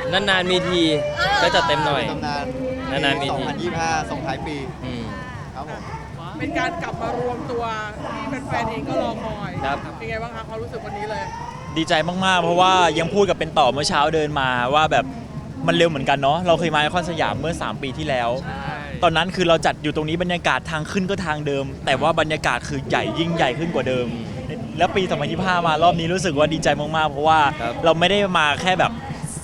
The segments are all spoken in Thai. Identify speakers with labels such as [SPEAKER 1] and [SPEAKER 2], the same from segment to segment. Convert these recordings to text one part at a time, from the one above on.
[SPEAKER 1] นานๆมีทีก็จัดเต็มหน่อย
[SPEAKER 2] ตำนาน
[SPEAKER 1] นานๆมีที
[SPEAKER 2] 2025ส่งท้ายปีครับผม
[SPEAKER 3] เป็นการกลับมารวมตัวที่แฟนๆเองก็รอคอย
[SPEAKER 1] ครับ
[SPEAKER 3] เป็นไงบ้างคะความรู้สึกวันนี้เลย
[SPEAKER 4] ดีใจมากๆเพราะว่ายังพูดกับเป็นต่อเมื่อเช้าเดินมาว่าแบบมันเร็วเหมือนกันเนาะเราเคยมาไอคอนสยามเมื่อ3 ปีที่แล้ว ตอนนั้นคือเราจัดอยู่ตรงนี้บรรยากาศทางขึ้นก็ทางเดิม แต่ว่าบรรยากาศคือใหญ่ยิ่งใหญ่ขึ้นกว่าเดิม แล้วปี 2025 มารอบนี้รู้สึกว่าดีใจมากๆเพราะว่า
[SPEAKER 1] ครับ
[SPEAKER 4] เราไม่ได้มาแค่แบบ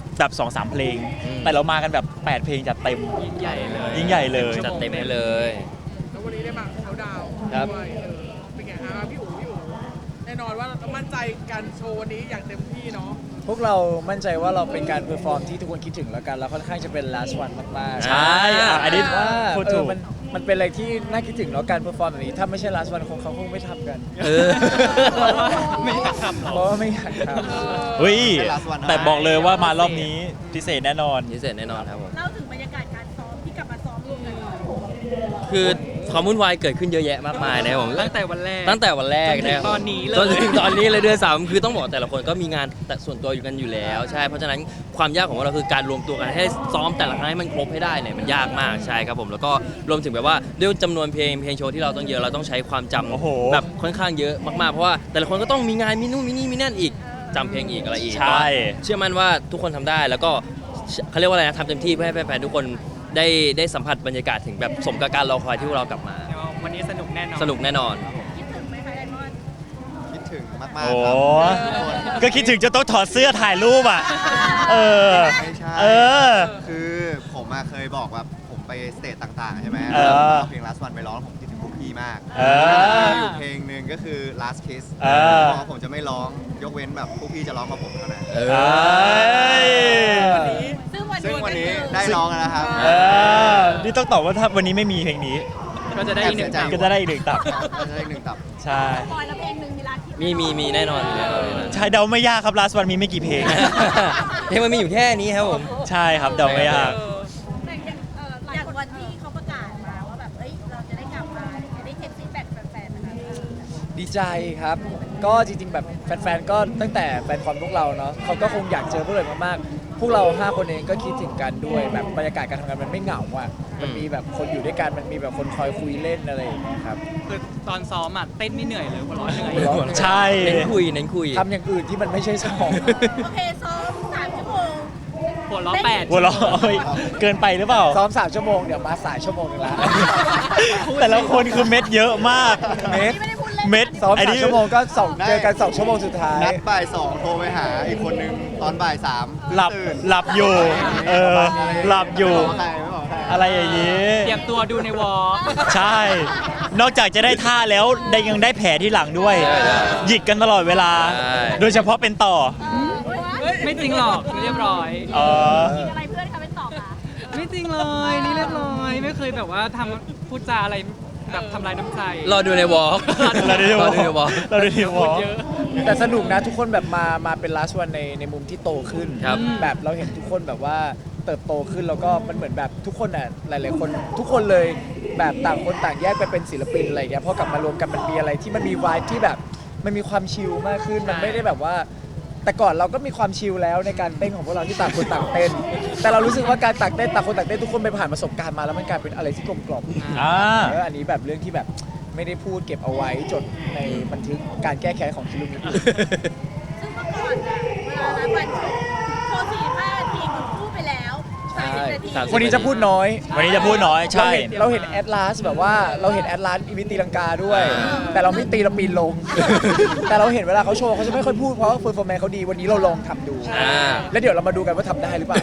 [SPEAKER 4] 2-3 เพลง แต่เรามากันแบบ8 เพลงจัดเต็ม
[SPEAKER 1] ยิ่งใหญ่เลย
[SPEAKER 4] ยิ่งใหญ่เลย
[SPEAKER 1] จัดเต็มให้เลย
[SPEAKER 3] แล้ววันนี้ได้มาเขาดาวน์
[SPEAKER 1] ครับ
[SPEAKER 3] ด้วยเป็นไงฮะพี่อู๋แน่นอนว่าเรามั่นใจการโชว์วันนี้อย่างเต็มที่เนาะ
[SPEAKER 5] พวกเรามั่นใจว่าเราเป็นการเพอร์ฟอร์มที่ทุกคนคิดถึงแล้วกันแล้วค่อนข้างจะเป็น last one มากๆ
[SPEAKER 4] ใช่อันนี้
[SPEAKER 5] ว่า
[SPEAKER 4] พูดถูก
[SPEAKER 5] มันเป็นอะไรที่น่าคิดถึงแล้วการเพอร์ฟอร์มแบบนี้ถ้าไม่ใช่ last one เขาคงไม่ทำกัน
[SPEAKER 1] เออ
[SPEAKER 5] ไม่อยากทำเพราะว่าไม่อยากทำ
[SPEAKER 4] เฮ้ย
[SPEAKER 2] เป็น last one นะ
[SPEAKER 4] แต่บอกเลยว่ามารอบนี้พิเศษแน่นอน
[SPEAKER 1] พิเศษแน่นอนครับผม
[SPEAKER 6] เล่าถึงบรรยากาศการซ้อมที่กลับมาซ้อมรวมกันหน่อย
[SPEAKER 1] คือความวุ่นวายเกิดขึ้นเยอะแยะมากมายนะครับผม
[SPEAKER 7] ตั้งแต่วันแรก
[SPEAKER 1] ตั้งแต่วันแรก
[SPEAKER 7] จนถึง
[SPEAKER 1] นะครับ
[SPEAKER 7] ตอนนี้เลย
[SPEAKER 1] จนถึงตอนนี้เลยด้วยซ้ำคือต้องบอกแต่ละคนก็มีงานแต่ส่วนตัวอยู่กันอยู่แล้วใช่เพราะฉะนั้นความยากของเราคือการรวมตัวกันให้ซ้อมแต่ละครั้งให้มันครบให้ได้เนี่ยมันยากมากใช่ครับผมแล้วก็รวมถึงแบบว่าด้วยจำนวนเพลงโชว์ที่เราต้องเยอะเราต้องใช้ความจำ
[SPEAKER 4] โอ้โห
[SPEAKER 1] แบบค่อนข้างเยอะมากๆเพราะว่าแต่ละคนก็ต้องมีงานมีนู่นมีนี่มีนั่นอีกจำเพลงอีกอะไรอีก
[SPEAKER 4] ใช่
[SPEAKER 1] ก็เชื่อมั่นว่าทุกคนทำได้แล้วก็เขาเรียกว่าอะไรนะทำเต็มที่เพื่อให้แฟนๆทุกคนได้สัมผัสบรรยากาศถึงแบบสมกับการรอคอยที่พวกเรากลับมา
[SPEAKER 7] วันนี้สนุกแน่นอน
[SPEAKER 1] สนุกแน่นอน
[SPEAKER 6] คิดถึงไหมคะไดมอนด์
[SPEAKER 2] คิดถึงมาก
[SPEAKER 4] โอ้
[SPEAKER 2] ๆครับทุกคน
[SPEAKER 4] ก็คิดถึงจะต้องถอดเสื้อถ่ายรูปอ่ะ เออ
[SPEAKER 2] ไม่ใช่
[SPEAKER 4] เออ
[SPEAKER 2] คือผมเคยบอกว่าผมไปสเตจต่างๆใช่ไหม
[SPEAKER 4] เออ
[SPEAKER 2] เอาเพลง last one ไปร้องผมคิดถึงพวกพี่มาก
[SPEAKER 4] เออ
[SPEAKER 2] มีอยู่เพลงหนึ่งก็คือ last kiss
[SPEAKER 4] เออ
[SPEAKER 2] เพราะผมจะไม่ร้องยกเว้นแบบพวกพี่จะร้องกับผมเท่านั้น
[SPEAKER 1] เอ
[SPEAKER 4] เอ้ย
[SPEAKER 6] ซึ่งวัน
[SPEAKER 2] ซึ่ง
[SPEAKER 6] นี้
[SPEAKER 2] วันนี้
[SPEAKER 6] ก็คือ
[SPEAKER 2] ได้ร้องแล้วนะครับ
[SPEAKER 4] เออ นี่ต้องตอบว่าถ้าวันนี้ไม่มีเพลงนี้
[SPEAKER 7] ก็จะได้อีกหนึ่ง
[SPEAKER 2] แอบเสียใจ
[SPEAKER 4] ก็จะได้อีกหนึ่งตับ
[SPEAKER 2] ก็จะได้หนึ่งตับ
[SPEAKER 4] ใช่
[SPEAKER 6] บอยแล้วเพลงหนึ่งมีร้านที่
[SPEAKER 1] มีแน่นอนมีแน่นอน
[SPEAKER 4] ใช่เดาไม่ยากครับ last one มีไม่กี่เพลง
[SPEAKER 1] เพลงมันมีอยู่แค่นี้ครับผม
[SPEAKER 4] ใช่ครับเดาไม่ยาก
[SPEAKER 6] แต่อย่างวันที่เขาประกาศมาว่าแบบเอ้ยเราจะได้กลับมาจะได้เช็คฟีดแบ็กแฟนๆนะคะ
[SPEAKER 5] ดีใจครับ ก็จริงๆแบบแฟนๆ ก็ตั้งแต่แฟนคอนพวกเราเนาะเขาก็คงอยากเจอพวกเรามากๆ พวกเรา 5 คนเองก็คิดถึงกันด้วยแบบบรรยากาศการทำงานมันไม่เหงาอ่ะ มันมีแบบคนอยู่ด้วยกัน มันมีแบบคนคอยคุยเล่นอะไรอย่างเงี้ยครับ
[SPEAKER 7] คือตอนซ้อมอ่ะเต้นไม่เหนื่อยเลยหัวเร้อนเหนื่อย
[SPEAKER 5] หัวเราะ
[SPEAKER 4] ใช่
[SPEAKER 1] เน้นคุย
[SPEAKER 5] ทำอย่างอื่นที่มันไม่ใช่ซ้อม
[SPEAKER 6] โอเคซ้อม3 ชั่วโมง
[SPEAKER 7] หัวเร้อนแปด
[SPEAKER 4] หัวเราะเอ้ยเกินไปหรือเปล่า
[SPEAKER 5] ซ้อม 3 ชั่วโมง เดี๋ยวมาสายชั่วโมงนึงละ
[SPEAKER 4] แต่ละคนคือเม็ดเยอะมาก
[SPEAKER 5] เม็ด
[SPEAKER 6] นี่ไม่ได้พูดเล่น
[SPEAKER 4] เม็ด
[SPEAKER 5] ซ้อม
[SPEAKER 4] ไอ้
[SPEAKER 5] 3
[SPEAKER 4] นี่
[SPEAKER 5] ชั่วโมงก็เจอกัน 2 ชั่วโมงสุดท้าย
[SPEAKER 2] นัดบ่ายสองโทรไปหาอีกคนนึงตอนบ่ายสาม
[SPEAKER 4] หลับ
[SPEAKER 2] ตื่น
[SPEAKER 4] หลับอยู่ เออ หลับอยู่
[SPEAKER 2] ไม่บอกใครไม่บอกใคร
[SPEAKER 4] อะไรอย่างนี้
[SPEAKER 7] เตรียมตัวดูในวอล์ก
[SPEAKER 4] ใช่ นอกจากจะได้ท่าแล้วได้ยังได้แผลที่หลังด้วย หยิกกันตลอดเวลา
[SPEAKER 1] ใช่
[SPEAKER 4] โดยเฉพาะเป็นต่อ
[SPEAKER 7] ไม่จริงหรอกเรียบร้อย
[SPEAKER 4] เออ
[SPEAKER 6] มีอะไรเพื่อนเขาเป็นตอบอ่ะ
[SPEAKER 7] ไม่จริงเลยนี่เรียบร้อยไม่เคยแบบว่าทำพูดจาอะไรแบบทำลายน้ำใจ
[SPEAKER 1] รอดูในวอล์ก
[SPEAKER 4] เราดูในวอล
[SPEAKER 1] ในวอล์ก
[SPEAKER 4] เราดูในวอล
[SPEAKER 7] เยอะ
[SPEAKER 5] แต่สนุกนะทุกคนแบบมาเป็น last one ในมุมที่โตขึ้น
[SPEAKER 1] ครับ
[SPEAKER 5] แบบเราเห็นทุกคนแบบว่าเติบโตขึ้นแล้วก็มันเหมือนแบบทุกคนอ่ะหลายๆคนทุกคนเลยแบบต่างคนต่างแยกไปเป็นศิลปินอะไรอย่างเงี้ยพอกลับมารวมกันมันมีอะไรที่มันมีวายที่แบบมันมีความชิลมากขึ้นมันไม่ได้แบบว่า แต่ก่อนเราก็มีความชิลแล้วในการเต้นของพวกเราที่ต่างคนต่างเต้น แต่เรารู้สึกว่าการต่างเต้นต่างคนต่างเต้นทุกคนไปผ่านประสบการณ์มาแล้วมันกลายเป็นอะไรที่กลมกล่อม
[SPEAKER 4] อ่า
[SPEAKER 5] อันนี้แบบเรื่องที่แบบไม่ได้พูดเก็บเอาไว้จดในบันทึกการแก้แค้นของคิรุมิ
[SPEAKER 6] ซึ่งเมื่อก่อนอะเวลานัดวันโชว์45 นาทีคุณพูดไปแล้ว30 นาที
[SPEAKER 1] 30
[SPEAKER 5] วันนี้จะพูดน้อย
[SPEAKER 4] วันนี้จะพูดน้อย ใช่
[SPEAKER 5] เราเห็นแอดลาสแบบว่าเราเห็นแอดลาสอีวิตีลังกาด้วย แต่เราไม่ตีเราปีนลง แต่เราเห็นเวลาเขาโชว์เขาจะไม่ค่อยพูดเพราะว่าเฟอร์ฟอร์แมนเขาดีวันนี้เราลองทำดู
[SPEAKER 1] อ่า
[SPEAKER 5] แล้วเดี๋ยวเรามาดูกันว่าทำได้หรือเปล่า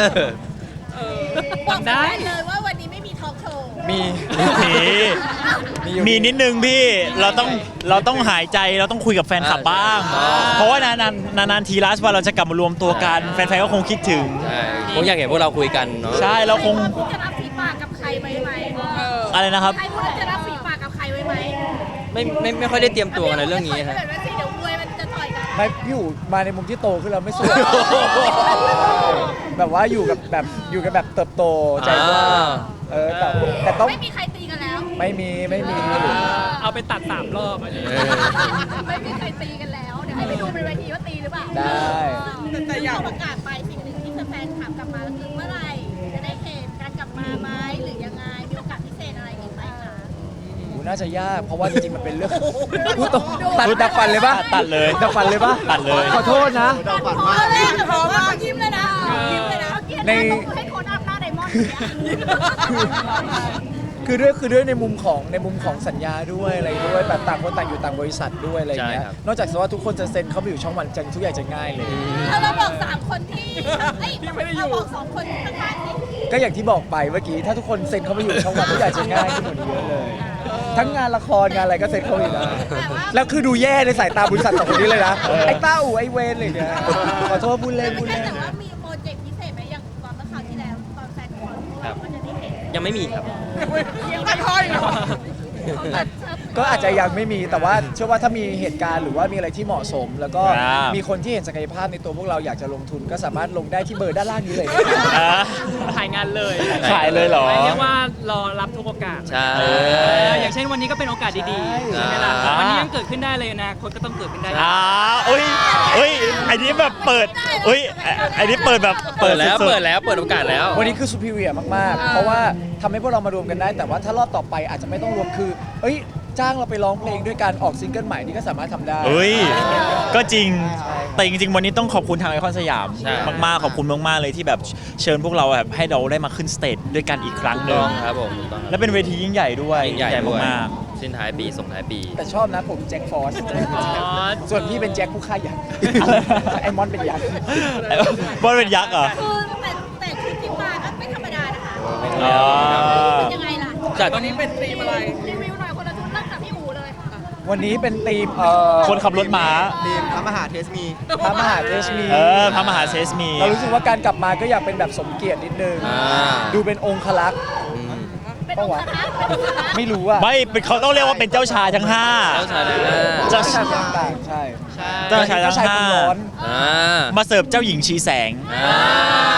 [SPEAKER 6] บอกได้เลยว่าวันนี้ไม่มีทอล์กโชว์
[SPEAKER 5] มี
[SPEAKER 4] มีมีนิดนึงพี่ เราต้องหายใจ เราต้องคุยกับแฟนคลับบ้าง เพราะว่านานๆทีลาสว่าเราจะกลับมารวมตัวกัน แฟนๆก็คงคิดถึง
[SPEAKER 1] ใช่ผมอยากเห็นพวกเราคุยกันเนาะ
[SPEAKER 4] ใช่ เราคง
[SPEAKER 6] พูดจะรับฝีปากกับใครไว้ไหม
[SPEAKER 4] อะไรนะครับ
[SPEAKER 6] ใครพูดจะรับฝีปากกับใครไว้ไหม
[SPEAKER 1] ไม่ค่อยได้เตรียมตัวกันในเรื่องนี้
[SPEAKER 6] ฮะ
[SPEAKER 1] ฮะ
[SPEAKER 6] เดี๋ยวสิเดี๋ยวมวยมันจะต่อยกัน
[SPEAKER 5] ไม่พี่อยู่มาในมุมที่โตขึ้นเราไม่สวยแบบว่าอยู่กับแบบเติบโตใจกว้างแต่ต้อง
[SPEAKER 6] ไม่มีใครตีกันแล้ว
[SPEAKER 5] ไม่มี
[SPEAKER 7] เอาไปตัด3 รอบอันนี้
[SPEAKER 6] ไม่มีใครตีกันแล้ว เดี๋ยวให้ไปดูบนเวทีว่าตีหรือเปล่า
[SPEAKER 5] ได้
[SPEAKER 3] แต่อยาก
[SPEAKER 6] ที่เขประกาศไปสิ่งหนึ่งที่แฟนคลับ
[SPEAKER 5] น่าจะยากเพราะว่าจริงๆมันเป็นเรื่องพูดตรงตัดดับฟันเลยปะ
[SPEAKER 4] ตัดเลย
[SPEAKER 5] ดับฟันเลยปะ
[SPEAKER 4] ตัดเลย
[SPEAKER 5] ขอโทษนะ
[SPEAKER 2] เราฝัน
[SPEAKER 6] พอ
[SPEAKER 2] ว่า
[SPEAKER 6] เลยพอมากยิ้มเลยนะยิ้มเลยนะ
[SPEAKER 5] ใน
[SPEAKER 6] ให้โคนอัพหน้าไดมอนด์เนี่ย
[SPEAKER 5] คือด้วยในมุมของสัญญาด้วยอะไรด้วยแบบต่างคนต่างอยู่ต่างบริษัทด้วยอะไรอย่างเงี้ย
[SPEAKER 1] ใช่ครับ
[SPEAKER 5] นอกจากว่าทุกคนจะเซ็นเข้าไปอยู่ช่องวันจันทร์ทุกอย่างจะง่ายเลย
[SPEAKER 6] เราบอก3 คนที่เราบอก2 คนข้างๆนี่
[SPEAKER 5] ก็อย่างที่บอกไปเมื่อกี้ถ้าทุกคนเซ็นเข้าไปอยู่ช่องวันทุกอย่างจะง่ายขึ้นกว่านี้เยอะเลย ทั้งงานละครงานอะไรก็เซ็นเข้าไปได้แล้วคือดูแย่ในสายตาบริษัทสองคนนี้เลยนะไอ้เต้าไอ้เวนอะไรอย่างเงี้ยขอโทษพูดเล่น
[SPEAKER 6] แต่ว่ามีโปรเจกต์พิเศษไหมอย่างตอนเมื่อคราวที่แล้วตอนแฟนคอนเราก็จะได้เห็น
[SPEAKER 1] ยังไม่มีครับ
[SPEAKER 3] ยังไม่ค่อยเนาะ
[SPEAKER 5] ก็อาจจะยังไม่มีแต่ว่าเชื่อว่าถ้ามีเหตุการณ์หรือว่ามีอะไรที่เหมาะสม แล้วก็
[SPEAKER 4] ครับ
[SPEAKER 5] มีคนที่เห็นศักยภาพในตัวพวกเราอยากจะลงทุนก็สามารถลงได้ที่เบอร์ด้านล่างนี้เลย
[SPEAKER 4] อ่ะ
[SPEAKER 7] ถ่ายงานเลย
[SPEAKER 4] ขายเลยเหรอ
[SPEAKER 7] เรียกว่ารอรับทุกโอกาส
[SPEAKER 1] ใช่
[SPEAKER 7] อย่างเช่นวันนี้ก็เป็นโอกาสดีๆ
[SPEAKER 5] ใช่
[SPEAKER 7] ใช่ไหมล่ะ
[SPEAKER 4] อ่า
[SPEAKER 7] วันนี้ยังเกิดขึ้นได้เลยนะคนก็ต้องเกิดขึ้นได้
[SPEAKER 4] อุ้ยอันนี้แบบเปิดอุ้ยอันนี้เปิดแบบ
[SPEAKER 1] เปิดแล้ว
[SPEAKER 4] สุๆ
[SPEAKER 1] เปิดแล้วเปิดโอกาสแล้ว
[SPEAKER 5] วันนี้คือซูเปอร์เรียมากๆ เพราะว่าทำให้พวกเรามารวมกันได้ แต่ว่าถ้ารอบต่อไปอาจจะไม่ต้องรวมคือเอ้ยจ้างเราไปร้องเพลงด้วยการออกซิงเกิลใหม่นี่ก็สามารถทำได้
[SPEAKER 4] เฮ้ย ก็จริง
[SPEAKER 5] ใช่
[SPEAKER 4] แต่จริงๆ วันนี้ต้องขอบคุณทางไอคอนสยาม
[SPEAKER 1] ใช่
[SPEAKER 4] มากๆ ขอบคุณมากๆ เลยที่แบบเชิญพวกเราแบบให้เราได้มาขึ้นสเตจด้วยกันอีกครั้งหนึ่ง
[SPEAKER 1] ครับผมถูกต้องครับ
[SPEAKER 4] และเป็นเวทียิ่งใหญ่ด้วย
[SPEAKER 1] ยิ่งใหญ่ด้วย
[SPEAKER 4] มาก
[SPEAKER 1] สิ้นท้ายปีส่งท้ายปี
[SPEAKER 5] แต่ชอบนะผมแจ็คฟอสส่วนพี่เป็นแจ็คผู้ฆ่ายักษ์ไอมอนเป็นยักษ์
[SPEAKER 4] ๆบอลเป็นยักษ์เหรอ
[SPEAKER 6] คือแต่ชุดที่มาก็ไม่ธรรมดานะคะ
[SPEAKER 4] อ๋อ
[SPEAKER 6] เป็นยังไงล่ะ
[SPEAKER 1] จัด
[SPEAKER 3] วันนี้เป็นธีมอะไร
[SPEAKER 6] รีวิวหน่อยคนละชุดเริ่มจากพี่อู๋เลย
[SPEAKER 5] วันนี้เป็นธีม
[SPEAKER 4] คนขับรถม้า
[SPEAKER 2] ทีมพระมหาเทสมี
[SPEAKER 5] พระมหาเทสมี
[SPEAKER 4] พระมหาเซสมี
[SPEAKER 5] เรารู้สึกว่าการกลับมาก็อยากเป็นแบบสมเกียรตินิดนึง
[SPEAKER 1] อ่า
[SPEAKER 5] ดูเป็นองคลักษ์
[SPEAKER 1] อืม
[SPEAKER 6] เป็นองค์พระเป็นองค์พระ
[SPEAKER 5] ไม่รู้ว่า
[SPEAKER 4] ไม่เป็นเขาต้องเรียกว่าเป็นเจ้าชายทั้งห้า
[SPEAKER 1] เจ้าชายทั้งห้า
[SPEAKER 4] เจ้า
[SPEAKER 5] ชายต่างๆใช่
[SPEAKER 4] เจ้าชายทั้ง
[SPEAKER 5] เจ้าชาย
[SPEAKER 4] ห้า
[SPEAKER 5] คนร้อน
[SPEAKER 1] อ่า
[SPEAKER 4] มาเสิร์ฟเจ้าหญิงชีแสง
[SPEAKER 1] อ่า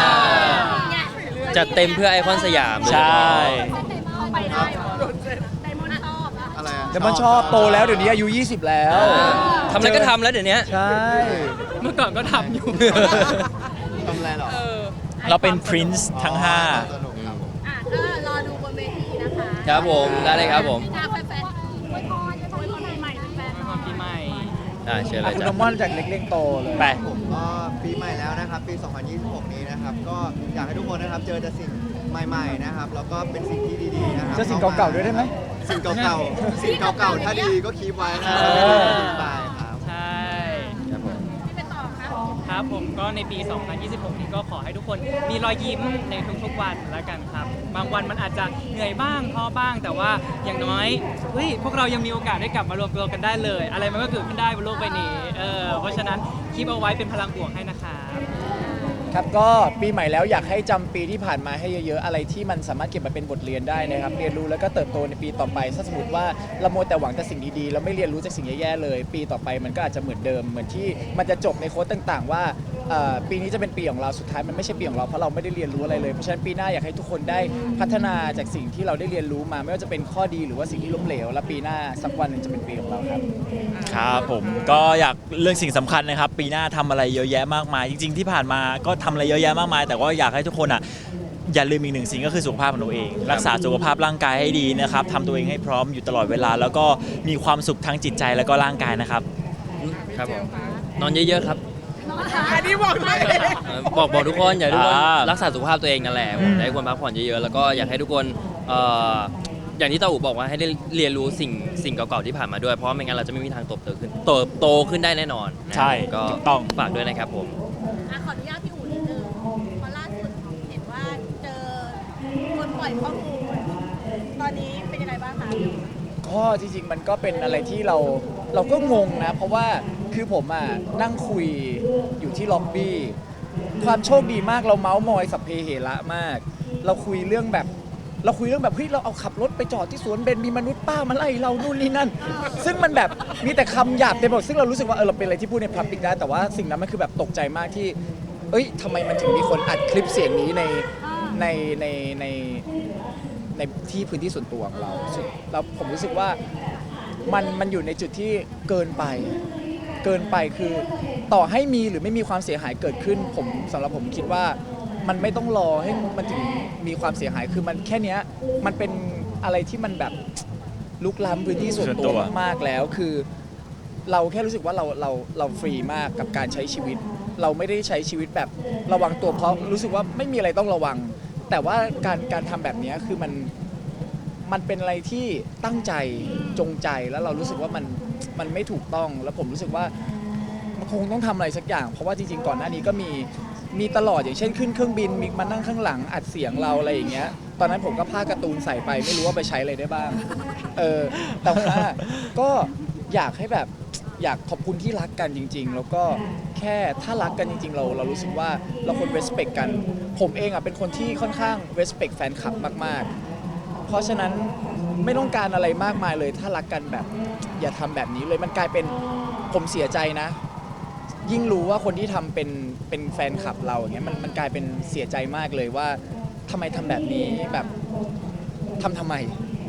[SPEAKER 1] จัดเต็มเพื่อไอคอนสยามโดยเฉ
[SPEAKER 4] ใช่
[SPEAKER 1] พาะ
[SPEAKER 6] ไปได้เหรอไดมอนด์ชอบอะ
[SPEAKER 2] อะไรอะ
[SPEAKER 5] แต่มันชอบโตแล้วเดี๋ยวนี้อายุ 20 แล้ว
[SPEAKER 1] ทำอะไรก็ทำแล้วเดี๋ยวนี้
[SPEAKER 5] ใช่
[SPEAKER 7] เมื่อก่อนก็ทำอยู่
[SPEAKER 2] ทำอะไรหรอ
[SPEAKER 4] เราเป็น Prince ทั้งห้า
[SPEAKER 2] สนุกครับผม
[SPEAKER 6] อ่ะก็รอดูบนเวทีนะคะ
[SPEAKER 1] ครับผมได้เลยครับผม
[SPEAKER 6] ถ้าแฟนๆอวยพรปีใหม่แฟนๆหน่อย
[SPEAKER 7] ปีใหม่
[SPEAKER 1] เชิญเล
[SPEAKER 5] อ่ะ
[SPEAKER 1] ย
[SPEAKER 5] คุณ
[SPEAKER 1] จ้ะ
[SPEAKER 5] น้ำมอนจากเล็กเล่งโตเลย
[SPEAKER 4] ไป
[SPEAKER 2] ผมก็ปีใหม่แล้วนะครับ ปี 2026 นี้นะครับ ก็อยากให้ทุกคนนะครับเจอแต่สิ่งใหม่ๆนะครับ แล้วก็เป็นสิ่งที่ดีๆนะครับ
[SPEAKER 5] เจอสิ่งเก่าๆด้วยได้ไหม
[SPEAKER 2] สิ่งเก่าๆ สิ่งเก่าๆ ถ้าดีก็คีบไว้นะ
[SPEAKER 5] เออ
[SPEAKER 2] คีบไปครับ
[SPEAKER 7] ใช่
[SPEAKER 1] ครับผม
[SPEAKER 6] ที่เป็นต่อครับ
[SPEAKER 7] ครับผมก็ในปี 2026 นี้ก็ขอให้ทุกคนมีรอยยิ้มในทุกๆวันแล้วกันครับ บางวันมันอาจจะเหนื่อยบ้างท้อบ้าง แต่ว่าอย่างน้อยเฮ้ยพวกเรายังมีโอกาสได้กลับมารวมตัวกันได้เลย อะไรมันก็เกิดขึ้นได้บนโลกใบนี้เพราะฉะนั้นคีบเอาไว้เป็นพลังบวกให้นะครับ
[SPEAKER 5] ครับก็ปีใหม่แล้วอยากให้จำปีที่ผ่านมาให้เยอะๆอะไรที่มันสามารถเก็บมาเป็นบทเรียนได้นะครับเรียนรู้แล้วก็เติบโตในปีต่อไปถ้าสมมติว่าเราโมวแต่หวังแต่สิ่งดีๆแล้วไม่เรียนรู้จากสิ่งแย่ๆเลย ปีต่อไปมันก็อาจจะเหมือนเดิมเหมือนที่มันจะจบในโค้ดต่างๆ ว่าปีนี้จะเป็นปีของเราสุดท้ายมันไม่ใช่ปีของเราเพราะเราไม่ได้เรียนรู้อะไรเลยเพราะฉะนั้นปีหน้าอยากให้ทุกคนได้พัฒนาจากสิ่งที่เราได้เรียนรู้มา ไม่ว่าจะเป็นข้อดีหรือว่าสิ่งที่ล้มเหลวและปีหน้าสักวันหนึ่งจะเป็นปีของเราครับ
[SPEAKER 4] ครับผมก็อยากเรื่องสิ่งสำคัญนะครับ ปีหน้าทำอะไรเยอะแยะมากมาย จริง ๆ ที่ผ่านมาก็ทำอะไรเยอะแยะมากมาย แต่ว่าอยากให้ทุกคนอ่ะอย่าลืมอีกหนึ่งสิ่งก็คือสุขภาพของตัวเอง รักษาสุขภาพร่างกายให้ดีนะครับทำตัวเองให้พร้อมอยู่ตลอดเวลา แล้วก็มีความสุขทั้งจิตใจแล้วก็ร่างกายนะครับ
[SPEAKER 1] ครับผมนอนเยอะๆครับ
[SPEAKER 3] อันนี้บอกด้วย
[SPEAKER 1] บอกทุกคนอยากให้ทุกคน
[SPEAKER 4] อ่า
[SPEAKER 1] รักษาสุขภาพตัวเองนั่นแหละผมอยากให้ทุกคนพักผ่อนเยอะๆแล้วก็อยากให้ทุกคนอย่างที่ตาอูบอกว่าให้ได้เรียนรู้สิ่งเก่าๆที่ผ่านมาด้วยเพราะไม่งั้นเราจะไม่มีทางเติบโตขึ้นได้แน่นอนนะ
[SPEAKER 4] ใช่
[SPEAKER 1] ก็
[SPEAKER 4] ถูกต้อง
[SPEAKER 1] ฝากด้วยนะครับผม
[SPEAKER 6] อ่ะขออนุญาตพี่อู๋นิดนึงเพราะล่าสุดเห็นว่าเจอคนปล่อยข้อมูลตอนนี้เป็นยังไงบ้างคะพี่อู๋
[SPEAKER 5] ก็จริงๆมันก็เป็นอะไรที่เราก็งงนะ เพราะว่าคือผมอ่ะนั่งคุยอยู่ที่ล็อบบี้ความโชคดีมากเราเมาส์มอยสัพเพเหระมาก เราคุยเรื่องแบบเฮ้ยเราเอาขับรถไปจอดที่สวนเบญมีมนุษย์ป้ามาไล่เรานู่นนี่นั่น ซึ่งมันแบบมีแต่คำหยาบเต็มไปหมดซึ่งเรารู้สึกว่าเราเป็นอะไรที่พูดในพับลิกได้แต่ว่าสิ่งนั้นมันคือแบบตกใจมากที่เอ้ยทำไมมันถึงมีคนอัดคลิปเสียงนี้ในที่พื้นที่ส่วนตัวของเราแล้วผมรู้สึกว่ามันอยู่ในจุดที่เกินไปคือต่อให้มีหรือไม่มีความเสียหายเกิดขึ้นสำหรับผมคิดว่ามันไม่ต้องรอให้มันถึงมีความเสียหายคือมันแค่เนี้ยมันเป็นอะไรที่มันแบบลุกล้ำพื้นที่ส่วน
[SPEAKER 4] ส่วนตั
[SPEAKER 5] ตัว
[SPEAKER 4] ว
[SPEAKER 5] มากๆแล้วคือ เราแค่รู้สึกว่าเราฟรีมากกับการใช้ชีวิต เราไม่ได้ใช้ชีวิตแบบระวังตัวเพราะรู้สึกว่าไม่มีอะไรต้องระวัง แต่ว่าการทำแบบนี้คือมันเป็นอะไรที่ตั้งใจจงใจแล้วเรารู้สึกว่ามันไม่ถูกต้องแล้วผมรู้สึกว่ามันคงต้องทำอะไรสักอย่าง เพราะว่าจริงๆก่อนหน้านี้ก็มีตลอดอย่างเช่นขึ้นเครื่องบินมีมานั่งข้างหลังอัดเสียงเราอะไรอย่างเงี้ยตอนนั้นผมก็พากการ์ตูนใส่ไปไม่รู้ว่าไปใช้อะไรได้บ้างแต่ว่าก็อยากให้แบบอยากขอบคุณที่รักกันจริงๆ แล้วก็แค่ถ้ารักกันจริงๆเรารู้สึกว่าเราควร respect กันผมเองเป็นคนที่ค่อนข้าง respect แฟนคลับมากๆ เพราะฉะนั้นไม่ต้องการอะไรมากมายเลยถ้ารักกันแบบอย่าทำแบบนี้เลยมันกลายเป็นผมเสียใจนะ ยิ่งรู้ว่าคนที่ทำเป็นแฟนคลับเราอย่างเงี้ยมันกลายเป็นเสียใจมากเลยว่าทำไมทำแบบนี้แบบทำไม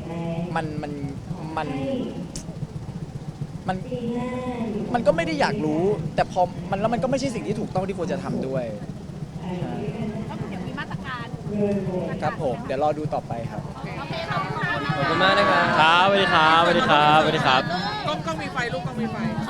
[SPEAKER 5] มันก็ไม่ได้อยากรู้ แต่พอแล้วมันก็ไม่ใช่สิ่งที่ถูกต้องที่ควรจะทำด้วยใช่
[SPEAKER 6] ก็คือเดี๋ยวมีมาตรการ
[SPEAKER 5] ครับผมเดี๋ยวรอดูต่อไปครับ
[SPEAKER 6] โอเคขอบคุณค่ะ
[SPEAKER 1] ขอบคุณมากนะครับ
[SPEAKER 4] ครับสวัสดีครับสวัสดีครับสวัสดีครับ
[SPEAKER 3] กล้องมีไฟลูกกล้องมีไฟ